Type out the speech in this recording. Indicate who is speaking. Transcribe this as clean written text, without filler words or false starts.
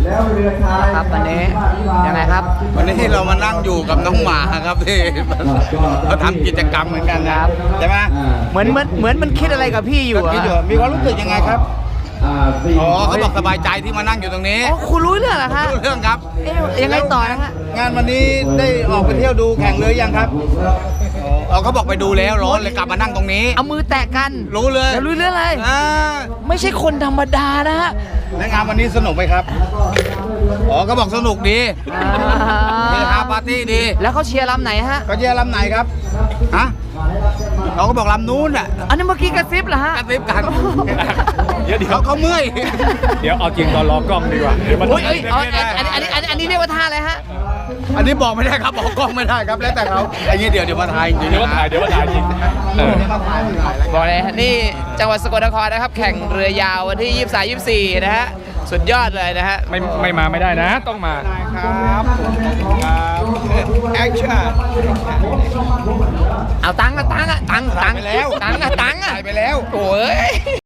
Speaker 1: ครับวันนี้ยังไงครับ
Speaker 2: วันนี้เรามานั่งอยู่กับน้องหมาครับที่เขาทำกิจกรรมเหมือนกันนะครับใช่ไหม
Speaker 1: เหมือนมันคิดอะไรกับพี่อยู่
Speaker 2: คิดอยู่
Speaker 1: อะ
Speaker 2: มีความรู้สึกยังไงครับอ๋อเขาบอกสบายใจที่มานั่งอยู่ตรงนี้
Speaker 1: อ๋อคุณรู้เรื่องเหรอคะ
Speaker 2: รู้เรื่องครับ
Speaker 1: เอ๊ะยังไงต่อนะฮะ
Speaker 2: งานวันนี้ได้ออกไปเที่ยวดูแข่งเรือยังครับเขาบอกไปดูแล้วร้อนเลยกลับมานั่งตรงนี้
Speaker 1: เอามือแตะกัน
Speaker 2: รู้เลย
Speaker 1: แล้วรู้เรื่องอะไร
Speaker 2: อ่า
Speaker 1: ไม่ใช่คนธรรมดานะฮะ
Speaker 2: และงานวันนี้สนุกไหมครับอ๋อเขาบอกสนุกดีเฮฮาปาร์ตี้ดี
Speaker 1: แล้วเขาเชียร์ลำไหนฮะ
Speaker 2: เขาเชียร์ลำไหนครับฮะเขาก็บอกลำนู้นอ่ะ
Speaker 1: อันนี้เมื่อกี้กระซิบเหรอฮะ
Speaker 2: กระซิบกัน
Speaker 3: เดี๋ยว
Speaker 2: เขาเมื่อย
Speaker 3: เดี๋ยวเอาจริงตอนรอกล้องดีกว่าเดี๋ยวมัน
Speaker 1: โอ้ยอันนี้เรียกว่าท่าอะไรฮะ
Speaker 2: อันนี้บอกไม่ได้ครับบอกกล้องไม่ได้ครับแล้วแต่เขาอันนี้เดี๋ยวมาถ่ายจริง
Speaker 3: เดี๋ยวมาถ่ายจริง
Speaker 2: มาถ่ายแล้ว
Speaker 1: บอกเลยฮะนี่จังหวัดสกลนครนะครับ แข่งเรือยาววันที่ 23-24 นะฮะ สุดยอดเลยนะฮะ
Speaker 3: ไม่มาไม่ได้นะ ต้องมา
Speaker 2: ครับแอคชั่น
Speaker 1: เอาตังค์อะตังค์
Speaker 2: ไปแล้ว
Speaker 1: ตังค์
Speaker 2: ถ่ายไปแล้ว
Speaker 1: โอ้ย